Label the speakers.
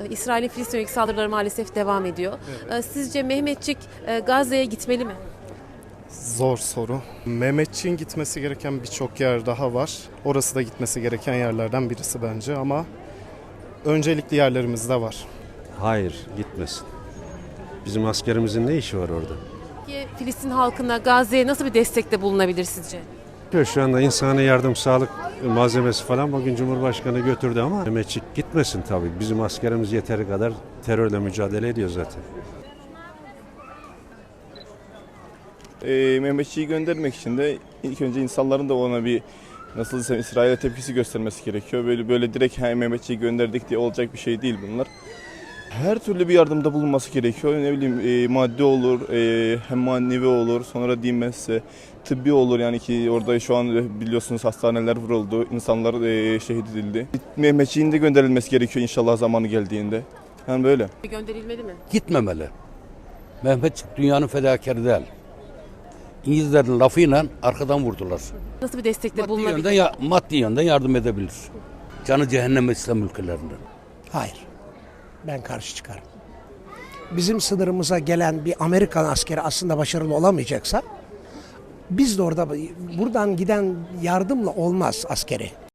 Speaker 1: İsrail'in Filistin'e yönelik saldırıları maalesef devam ediyor. Sizce Mehmetçik Gazze'ye gitmeli mi?
Speaker 2: Zor soru. Mehmetçiğin gitmesi gereken birçok yer daha var. Orası da gitmesi gereken yerlerden birisi bence ama öncelikli yerlerimiz de var.
Speaker 3: Hayır, gitmesin. Bizim askerimizin ne işi var orada?
Speaker 1: Peki Filistin halkına Gazze'ye nasıl bir destekte bulunabilir sizce?
Speaker 3: Şu anda insani yardım, sağlık malzemesi falan bugün Cumhurbaşkanı götürdü ama Mehmetçik gitmesin tabii. Bizim askerimiz yeteri kadar terörle mücadele ediyor zaten.
Speaker 4: Mehmetçiği göndermek için de ilk önce insanların da ona bir nasıl desem İsrail'e tepkisi göstermesi gerekiyor. Böyle direkt Mehmetçiği gönderdik diye olacak bir şey değil bunlar. Her türlü bir yardımda bulunması gerekiyor. Ne bileyim maddi olur, hem manevi olur, sonra diyeyim ben size tıbbi olur. Yani ki orada şu an biliyorsunuz hastaneler vuruldu, insanlar şehit edildi. Mehmetçiğin de gönderilmesi gerekiyor inşallah zamanı geldiğinde. Yani böyle.
Speaker 1: Gönderilmeli mi?
Speaker 5: Gitmemeli. Mehmetçik dünyanın fedakarı değil. İngilizlerin lafıyla arkadan vurdular.
Speaker 1: Nasıl bir destekte bulunabilir?
Speaker 5: Maddi yönden yardım edebilir. Canı cehenneme İslam ülkelerinden.
Speaker 6: Hayır. Ben karşı çıkarım. Bizim sınırımıza gelen bir Amerikan askeri aslında başarılı olamayacaksa biz de orada buradan giden yardımla olmaz askeri.